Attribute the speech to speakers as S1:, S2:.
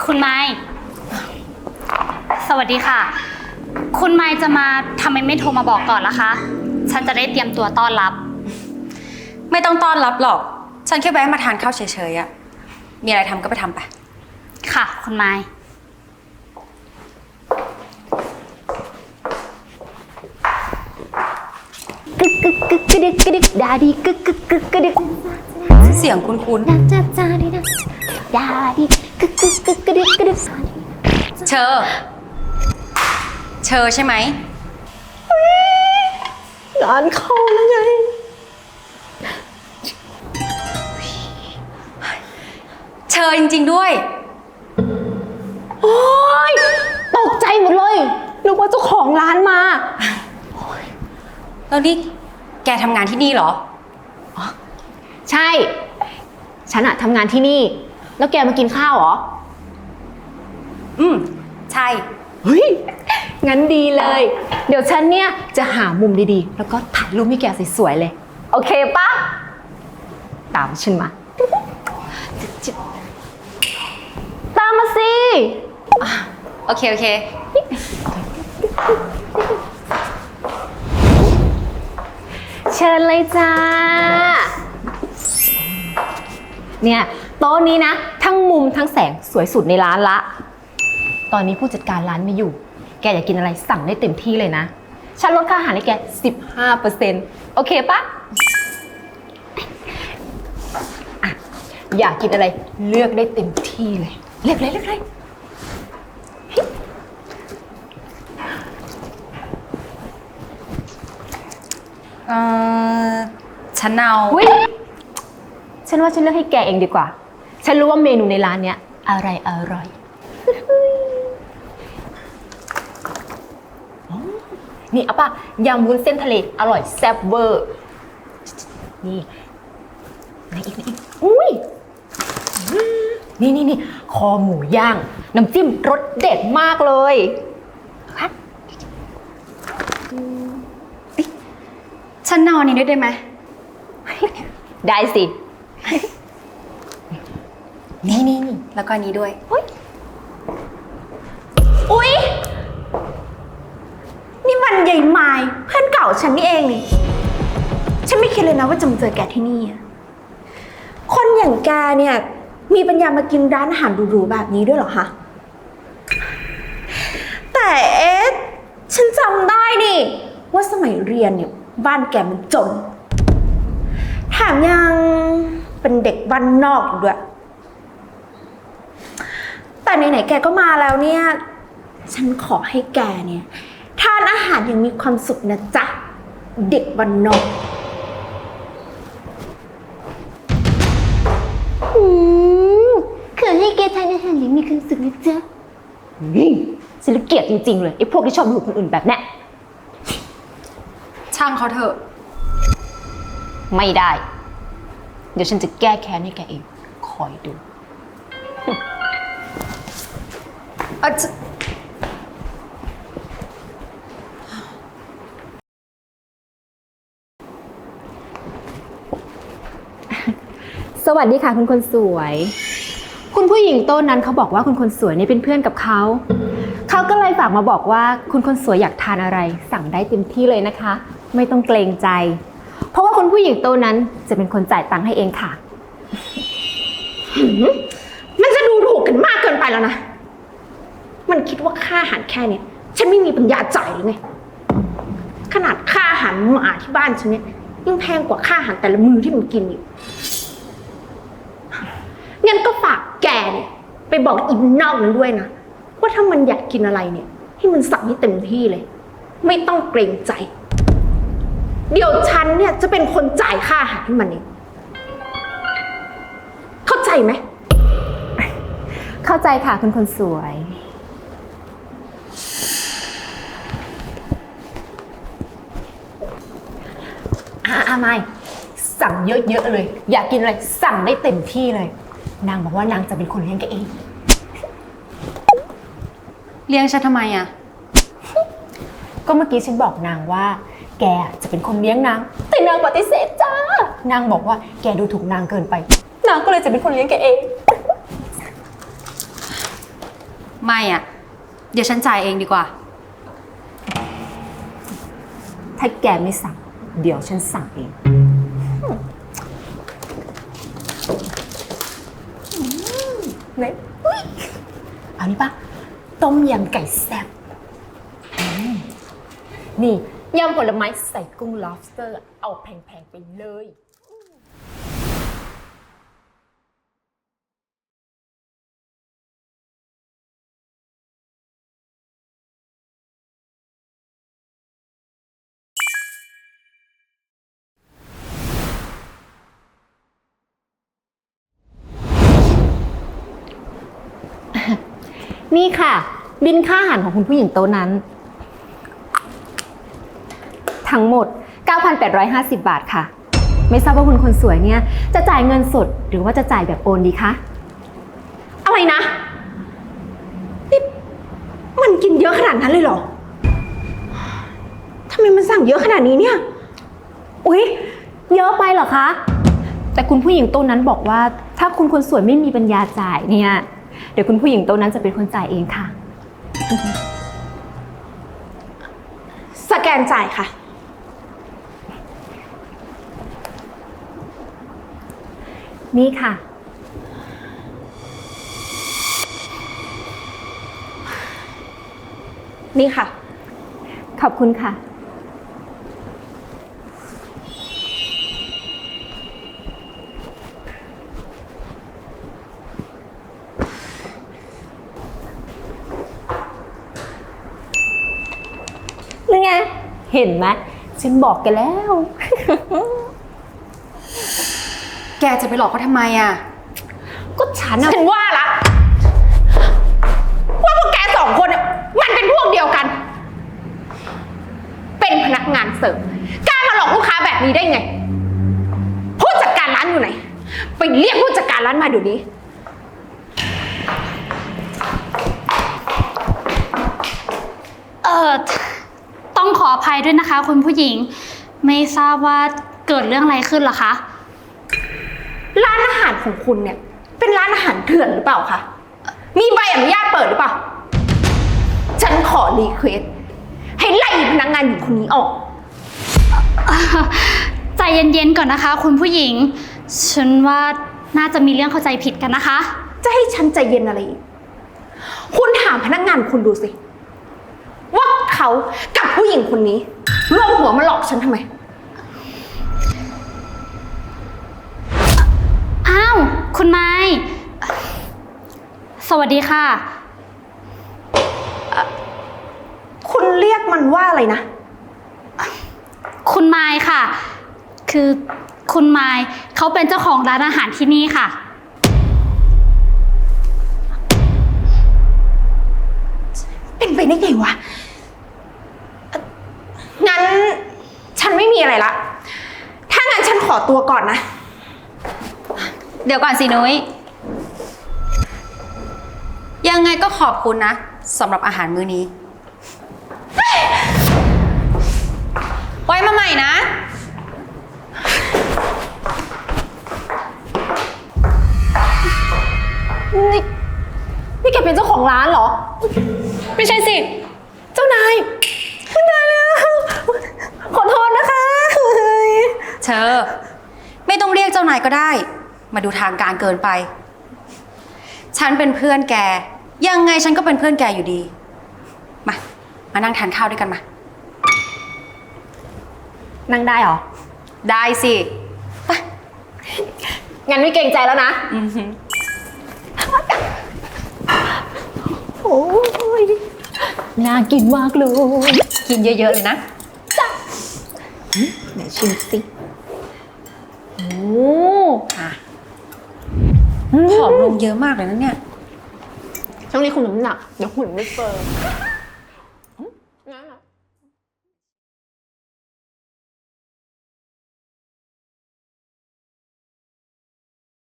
S1: คุณไม้สวัสดีค่ะคุณไม้จะมาทำไมไม่โทรมาบอกก่อนล่ะคะฉันจะได้เตรียมตัวต้อนรับ
S2: ไม่ต้องต้อนรับหรอกฉันแค่แวะมาทานข้าวเฉยๆอะมีอะไรทำก็ไปทำไป
S1: ค่ะคุณไม้
S3: กึกกึกกึกกระดึกกระดึกดาดีกึกกึกกึกกระดึก
S2: เสียงคุ้น
S3: ดาจ้าจ้าดีดาดาดีกึกกึกกึกกระดึกกระดึก
S2: ๆเชอใช่ไหม
S3: งานเข้าแล้วไง
S2: เชอจริงๆด้วย
S3: โอ๊ยตกใจหมดเลยนึกว่าเจ้าของร้านมา
S2: แล้วนี่แกทำงานที่นี่เหรอ
S3: ใช่ฉันอะทำงานที่นี่แล้วแกมากินข้าวเหรอ
S2: ใช่
S3: เฮ้ยงั้นดีเลยเดี๋ยวฉันเนี่ยจะหามุมดีๆแล้วก็ถ่ายรูปให้แกสวยๆเลยโอเคปะตามฉันมาตามมาสิ
S2: โอเค
S3: เชิญเลยจ้าเนี่ยโต๊ะนี้นะทั้งมุมทั้งแสงสวยสุดในร้านละตอนนี้ผู้จัดการร้านไม่อยู่แกอยากกินอะไรสั่งได้เต็มที่เลยนะฉันลดค่าอาหารให้แก 15% โอเคปะอ่ะอยากกินอะไรเลือกได้เต็มที่เลยเลือกเลย
S2: ฉันเอา
S3: ฉันว่าฉันเลือกให้แกเองดีกว่าฉันรู้ว่าเมนูในร้านเนี้ยอะไรอร่อยนี่เอาป่ะยำวุ้นเส้นทะเลอร่อยแซ่บเวอร์นี่ไหนอีกอุ้ยนี่คอหมูย่างน้ำจิ้มรสเด็ดมากเลย
S2: ฉันเอาอันนี้ด้วยได้ไหม
S3: ได้สิ
S2: นี่แล้วก็อันนี้ด้วย
S4: อุ๊ยนี่มันใหญ่ไม้เพื่อนเก่าฉันนี่เองนี่ฉันไม่คิดเลยนะว่าจะมาเจอแกที่นี่คนอย่างแกเนี่ยมีปัญญามากินร้านอาหารหรูๆแบบนี้ด้วยเหรอคะแต่ฉันจำได้นี่ว่าสมัยเรียนเนี่ยบ้านแกมันจนแถมยังเป็นเด็กบ้านนอกอยู่ด้วยแต่ไหนๆแกก็มาแล้วเนี่ยฉันขอให้แกเนี่ยทานอาหารอย่างมีความสุขนะจ๊ะเด็กบ้านนอก
S3: ขอให้แกทานอาหารอย่างมีความสุขนะจ๊ะฉันเกลียดจริงๆเลยไอ้พวกที่ชอบดูคนอื่นแบบนี้
S2: ช่างเขาเถอะ
S3: ไม่ได้เดี๋ยวฉันจะแก้แค้นให้แกเองคอยดูสวัสดีค่ะคุณคนสวยคุณผู้หญิงโต๊ะนั้นเขาบอกว่าคุณคนสวยเนี่ยเป็นเพื่อนกับเขาก็เลยฝากมาบอกว่าคุณคนสวยอยากทานอะไรสั่งได้เต็มที่เลยนะคะไม่ต้องเกรงใจเพราะว่าคุณผู้หญิงโต๊ะนั้นจะเป็นคนจ่ายตังค์ให้เองค่ะ
S4: มันจะดูถูกกันมากเกินไปแล้วนะมันคิดว่าค่าอาหารแค่นี้ฉันไม่มีปัญญาจ่ายหรือไงขนาดค่าอาหารหมาที่บ้านฉันเนี่ยยังแพงกว่าค่าอาหารแต่ละมื้อที่มันกินอยู่งั้นก็ฝากแกเนี่ยไปบอกอินนอกนั้นด้วยนะว่าถ้ามันอยากกินอะไรเนี่ยให้มันสั่งให้เต็มที่เลยไม่ต้องเกรงใจเดี๋ยวฉันเนี่ยจะเป็นคนจ่ายค่าอาหารให้มันเองเข้าใจไหม
S3: เข้าใจค่ะคุณคนสวยไม่สั่งเยอะๆเลยอยากกินอะไรสั่งได้เต็มที่เลยนางบอกว่านางจะเป็นคนเลี้ยงแกเอง
S2: เลี้ยงฉันทำไมอ่ะ
S3: ก็เมื่อกี้ฉันบอกนางว่าแกจะเป็นคนเลี้ยงนางแต่นางปฏิเสธจ้านางบอกว่าแกดูถูกนางเกินไปนางก็เลยจะเป็นคนเลี้ยงแกเอง
S2: ไม่อะเดี๋ยวฉันจ่ายเองดีกว่า
S3: ถ้าแกไม่สั่ง เดี๋ยวฉันสั่งเองเนี่ยเอานี่ปะต้มยำไก่แซ่บนี่ยำผลไม้ใส่กุ้ง lobster เอาแพงๆไปเลย นี่ค่ะ บินค่าอาหารของคุณผู้หญิงโต๊ะนั้น ทั้งหมด 9,850 บาทค่ะ ไม่ทราบว่าคุณคนสวยเนี่ยจะจ่ายเงินสดหรือว่าจะจ่ายแบบโอนดีคะ
S4: อะไรนะนี่มันกินเยอะขนาดนั้นเลยเหรอทำไมมันสั่งเยอะขนาดนี้เนี่ย
S3: อุ๊ย เยอะไปเหรอคะ แต่คุณผู้หญิงโต๊ะนั้นบอกว่าถ้าคุณคนสวยไม่มีปัญญาจ่ายเนี่ย เดี๋ยวคุณผู้หญิงโต๊ะนั้นจะเป็นคนจ่ายเองค่ะ
S4: สแกนจ่ายค่ะ
S3: นี่ค่ะ
S4: นี่ค่ะ
S3: ขอบคุณค่ะ นี่ไง เห็นไหมฉันบอกแกแล้ว
S2: แกจะไปหลอกเขาทำไมอะ
S3: ก็ฉันอะ
S4: ฉันว่าละว่าพวกแกสองคนน่ะมันเป็นพวกเดียวกัน เป็นพนักงานเสิร์ฟกล้ามาหลอกลูกค้าแบบนี้ได้ไง ผู้จัดการร้านอยู่ไหน ไปเรียกผู้จัดการร้านมาเดี๋ยวนี้
S1: ต้องขออภัยด้วยนะคะ คุณผู้หญิง ไม่ทราบว่าเกิดเรื่องอะไรขึ้นเหรอคะ
S4: ร้านอาหารของคุณเนี่ย เป็นร้านอาหารเถื่อนหรือเปล่าคะ มีใบอนุญาตเปิดหรือเปล่า ฉันขอรีเควสให้ไล่พนักงานหญิงคนนี้ออก
S1: ใจเย็นๆก่อนนะคะ คุณผู้หญิง ฉันว่าน่าจะมีเรื่องเข้าใจผิดกันนะคะ
S4: จะให้ฉันใจเย็นอะไรอีก คุณถามพนักงานคุณดูสิ ว่าเขากับผู้หญิงคนนี้ร่วมหัวมาหลอกฉันทำไม
S1: อ้าว คุณไม้สวัสดีค่ะ
S4: คุณเรียกมันว่าอะไรนะ
S1: คุณไม้ค่ะ คือคุณไม้เขาเป็นเจ้าของร้านอาหารที่นี่ค่ะ
S4: เป็นไปได้ไงวะ งั้นฉันไม่มีอะไรละ ถ้างั้นฉันขอตัวก่อนนะ
S2: เดี๋ยวก่อนสินุ้ยยังไงก็ขอบคุณนะสำหรับอาหารมื้อนี้ ไว้มาใหม่นะ
S3: นี่แกเป็นเจ้าของร้านเหรอ
S2: ไม่ใช่สิ
S3: เจ้านายคุณนายแล้ว ขอโทษนะคะ
S2: เธอไม่ต้องเรียกเจ้านายก็ได้ มาดูทางการเกินไป ฉันเป็นเพื่อนแก ยังไงฉันก็เป็นเพื่อนแกอยู่ดี มานั่งทานข้าวด้วยกันมา
S3: นั่งได้เหรอ
S2: ได้สิ
S3: งั้นไม่เกรงใจแล้วนะ โอ้ย น่ากินมากเลย
S2: กินเยอะๆเลยนะ
S3: ไหนชิมสิ โอ้
S2: ผอมลงเยอะมากเลยนะเนี่ย
S3: ช่วงนี้คุณน้ำหนัก เดี๋ยวหุ่นไม่เฟิร์ม